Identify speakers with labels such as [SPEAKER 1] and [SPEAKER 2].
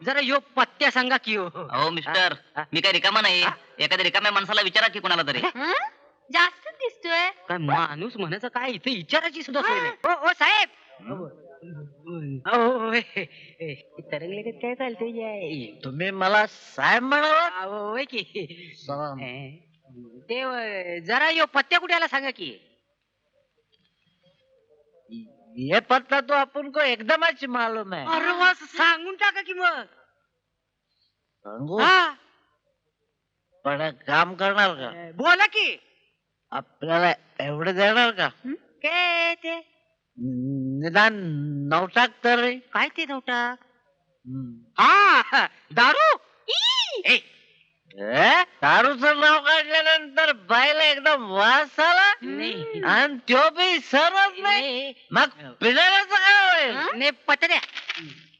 [SPEAKER 1] जरा यो पत्त्या सांगा की हो.
[SPEAKER 2] अहो मिस्टर, मी काही रिकामा नाही. एखाद्या रिकाम्या माणसाला विचारा की कोणाला तरी.
[SPEAKER 3] जास्त दिसतोय.
[SPEAKER 1] काय माणूस म्हणायचं काय इथे विचारायची सुद्धा सोय नाही. ओ साहेब तरंगले काय चालतंय
[SPEAKER 4] तुम्ही मला साहेब म्हणाला.
[SPEAKER 1] होय की ते जरा यो पत्त्या कुठे आला सांगा की.
[SPEAKER 4] ये पत्ता तो आपण को एकदमच मालूम है.
[SPEAKER 1] अरे वा सांगून टाका की मग.
[SPEAKER 4] सांगू
[SPEAKER 1] हा
[SPEAKER 4] पण एक काम करणार का?
[SPEAKER 1] बोला की.
[SPEAKER 4] आपल्याला एवढे देणार का?
[SPEAKER 1] काय ते
[SPEAKER 4] निदान 9 टाक तरी.
[SPEAKER 1] काय ते नव्हता. हा दारू. ए,
[SPEAKER 4] दारूचं नाव काढल्यानंतर बाईला एकदम वास आला
[SPEAKER 1] नाही
[SPEAKER 4] आणि तो बी सरच नाही. मग पिण्याचं काय होईल?
[SPEAKER 1] नाही पत्त्या द्या.